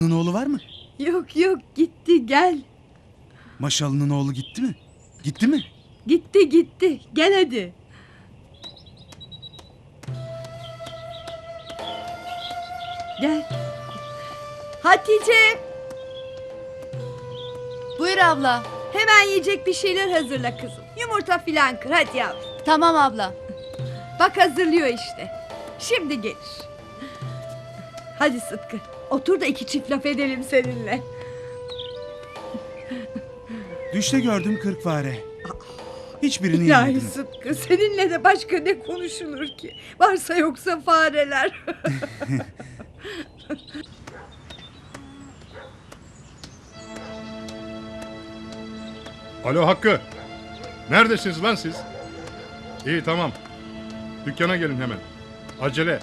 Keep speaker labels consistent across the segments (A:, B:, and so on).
A: oğlu var mı?
B: Yok yok, gitti, gel.
A: Maşal'ın oğlu gitti mi? Gitti mi?
B: Gitti, gel hadi. Gel. Hatice,
C: Buyur abla.
B: hemen yiyecek bir şeyler hazırla kızım. Yumurta filan kır hadi yavrum.
C: Tamam abla.
B: Bak hazırlıyor işte. Şimdi gelir. Hadi Sıtkı, otur da iki çift laf edelim seninle.
A: Düşte gördüm 40 fare. Hiçbirini
B: İlahi
A: yemedim.
B: Sıtkı, seninle de başka ne konuşulur ki? Varsa yoksa fareler.
D: Alo Hakkı. Neredesiniz lan siz? İyi tamam. Dükkana gelin hemen. Acele.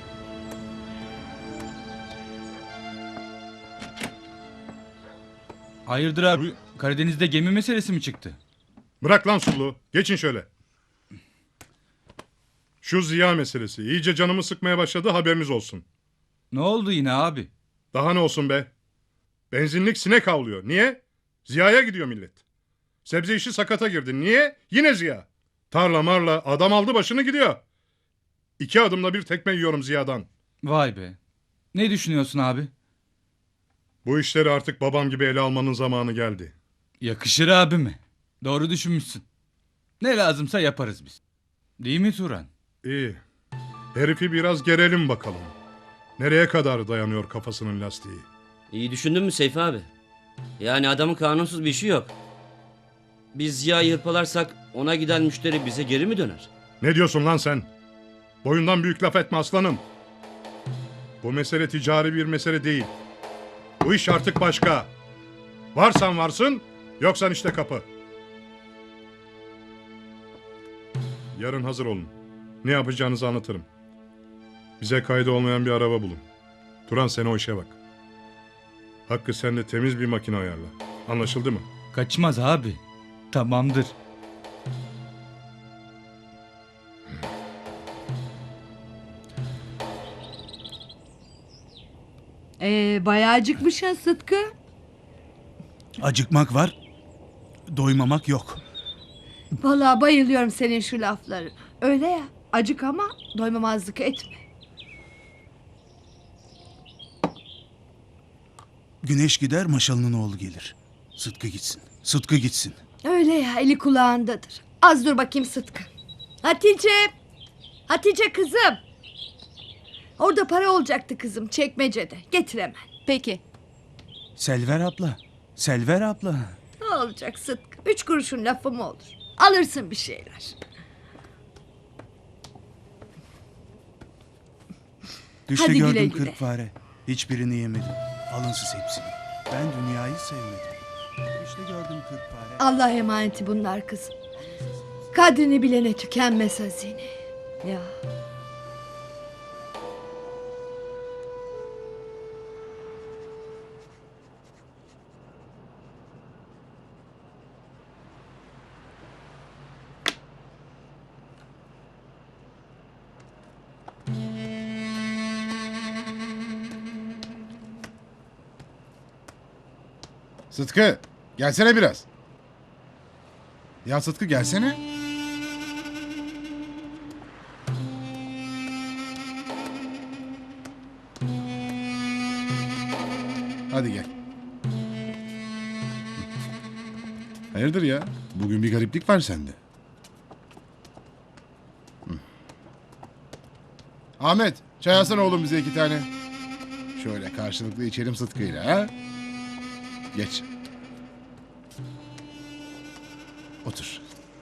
E: Hayırdır abi? Karadeniz'de gemi meselesi mi çıktı?
D: Bırak lan suluğu. Geçin şöyle. Şu Ziya meselesi iyice canımı sıkmaya başladı, haberiniz olsun.
E: Ne oldu yine abi?
D: Daha ne olsun be? Benzinlik sinek avlıyor. Niye? Ziya'ya gidiyor millet. Sebze işi sakata girdi. Niye? Yine Ziya. Tarla marla adam aldı başını gidiyor. 2 adımda bir tekme yiyorum Ziya'dan.
E: Vay be. Ne düşünüyorsun abi?
D: Bu işleri artık babam gibi ele almanın zamanı geldi.
E: Yakışır abime. Doğru düşünmüşsün. Ne lazımsa yaparız biz. Değil mi Turan?
D: İyi. Herifi biraz gerelim bakalım. Nereye kadar dayanıyor kafasının lastiği?
F: İyi düşündün mü Seyfi abi? Yani adamın kanunsuz bir işi yok. Biz Ziya'yı hırpalarsak ona giden müşteri bize geri mi döner?
D: Ne diyorsun lan sen? Boyundan büyük laf etme aslanım. Bu mesele ticari bir mesele değil. Bu iş artık başka. Varsan varsın, yoksan işte kapı. Yarın hazır olun. Ne yapacağınızı anlatırım. Bize kaydı olmayan bir araba bulun. Turan sen o işe bak. Hakkı sen de temiz bir makine ayarla. Anlaşıldı mı?
E: Kaçmaz abi. Tamamdır.
B: Bayağı acıkmışsın Sıtkı.
A: Acıkmak var, doymamak yok.
B: Vallahi bayılıyorum senin şu lafları. Öyle ya, acık ama doymamazlık etme.
A: Güneş gider, Maşal'ın oğlu gelir. Sıtkı gitsin, Sıtkı gitsin.
B: Öyle ya, eli kulağındadır. Az dur bakayım Sıtkı. Hatice kızım. Orada para olacaktı kızım, çekmecede. Getir hemen.
C: Peki.
A: Selver abla, Selver abla.
B: Ne olacak Sıtkı? 3 kuruşun lafı mı olur? Alırsın bir şeyler.
A: Düşte
B: Hadi güle
A: gördüm
B: güle.
A: 40 fare. Hiçbirini yemedim. Alınsız hepsini. Ben dünyayı sevmedim. Düşte gördüm 40 fare.
B: Allah emaneti bunlar kızım. Kadrini bilene tükenmez hazine. Ya.
G: Sıtkı gelsene biraz. Ya Sıtkı gelsene. Hadi gel. Hayırdır ya? Bugün bir gariplik var sende. Hı. Ahmet, çay alsana oğlum bize 2 tane. Şöyle karşılıklı içelim Sıtkı'yla ha. Geç. Otur.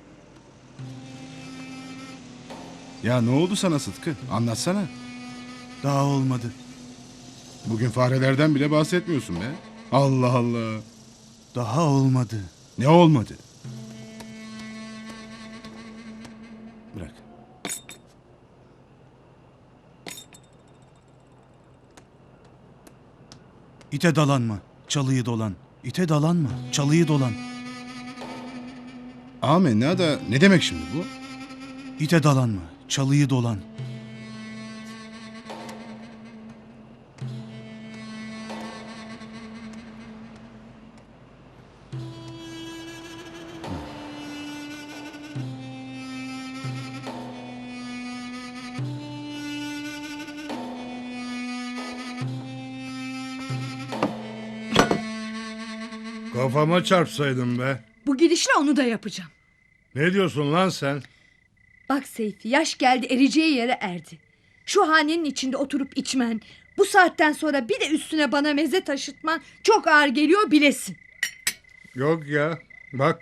G: Ya ne oldu sana Sıtkı? Anlatsana.
A: Daha olmadı.
G: Bugün farelerden bile bahsetmiyorsun be. Allah Allah.
A: Daha olmadı.
G: Ne olmadı? Bırak.
A: İte dalanma, çalıyı dolan. İte dalanma, çalıyı dolan.
G: Amenna ne demek şimdi bu?
A: İte dalanma, çalıyı dolan.
D: Kafama çarpsaydın be.
B: Bu gidişle onu da yapacağım.
D: Ne diyorsun lan sen?
B: Bak Seyfi, yaş geldi, ereceği yere erdi. Şu hanenin içinde oturup içmen, bu saatten sonra bir de üstüne bana meze taşıtman çok ağır geliyor bilesin.
D: Yok ya. Bak.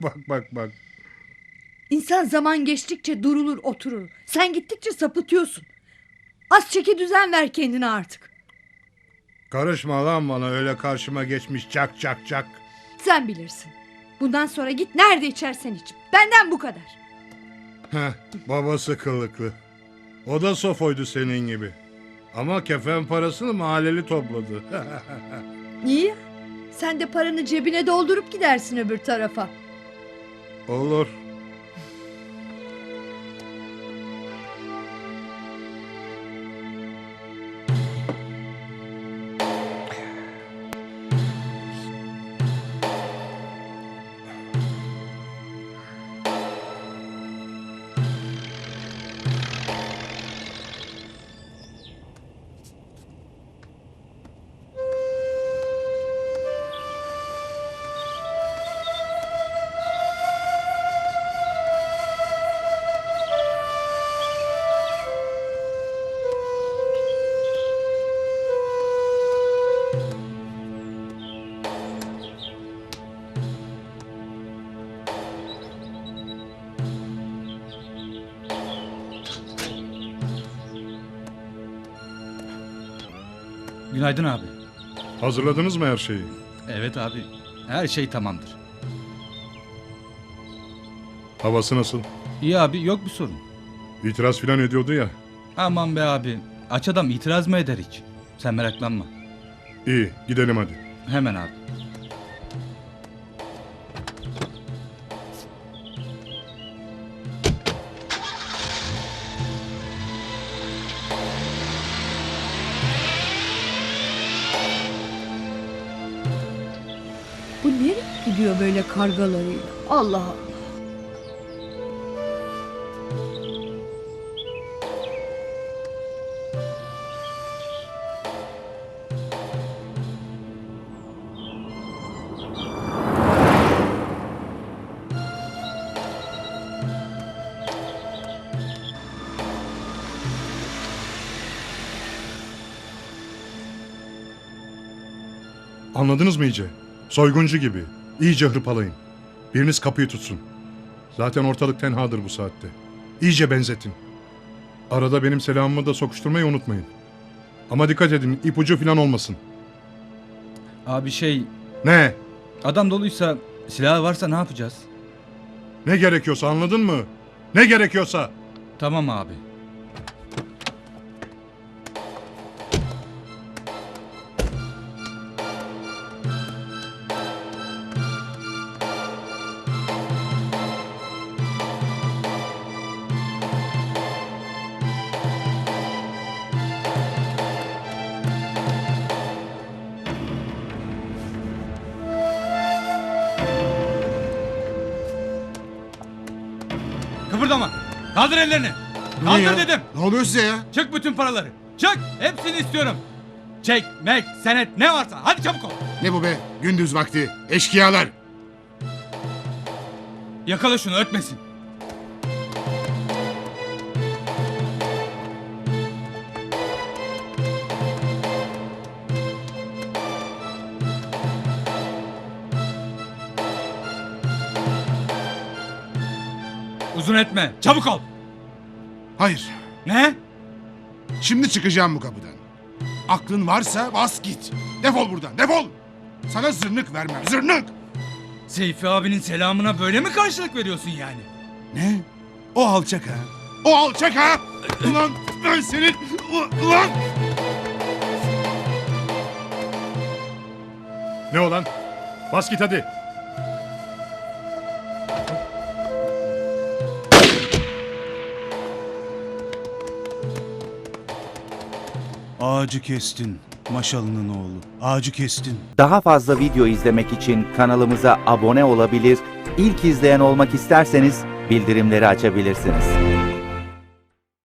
B: İnsan zaman geçtikçe durulur oturur. Sen gittikçe sapıtıyorsun. Az çeki düzen ver kendine artık.
D: Karışma lan bana, öyle karşıma geçmiş cak.
B: Sen bilirsin. Bundan sonra git nerede içersen iç. Benden bu kadar.
D: Heh, babası kılıklı. O da sofoydu senin gibi. Ama kefen parasını mahalleli topladı.
B: İyi ya. Sen de paranı cebine doldurup gidersin öbür tarafa.
D: Olur.
E: Günaydın abi.
D: Hazırladınız mı her şeyi?
E: Evet abi. Her şey tamamdır.
D: Havası nasıl?
E: İyi abi, yok bir sorun.
D: İtiraz filan ediyordu ya.
E: Aman be abi. Aç adam itiraz mı eder hiç? Sen meraklanma.
D: İyi, gidelim hadi.
E: Hemen abi.
B: Bu nereye gidiyor böyle kargalarıyla? Allah Allah.
D: Anladınız mı iyice? Soyguncu gibi. İyice hırpalayın. Biriniz kapıyı tutsun. Zaten ortalık tenhadır bu saatte. İyice benzetin. Arada benim selamımı da sokuşturmayı unutmayın. Ama dikkat edin, ipucu falan olmasın.
E: Abi şey,
D: Ne?
E: adam doluysa, silahı varsa ne yapacağız?
D: Ne gerekiyorsa, anladın mı? Ne gerekiyorsa.
E: Tamam abi. Kıpırdama. Kaldır ellerini. Kaldır
G: ya?
E: dedim.
G: Ne oluyor size ya?
E: Çık bütün paraları. Çık. Hepsini istiyorum. Çek, mek, senet ne varsa. Hadi çabuk ol.
G: Ne bu be? Gündüz vakti. Eşkıyalar.
E: Yakala şunu, ötmesin. Uzun etme. Çabuk ol.
G: Hayır.
E: Ne?
G: Şimdi çıkacağım bu kapıdan. Aklın varsa bas git. Defol buradan. Defol. Sana zırnık vermem. Zırnık.
E: Seyfi abinin selamına böyle mi karşılık veriyorsun yani?
G: Ne? O alçak ha. O alçak ha. Ulan ben senin... Ulan.
D: Ne olan? Bas git hadi.
A: Ağacı kestin. Maşalının oğlu. Ağacı kestin.
C: Daha fazla video izlemek için kanalımıza abone olabilir, ilk izleyen olmak isterseniz bildirimleri açabilirsiniz.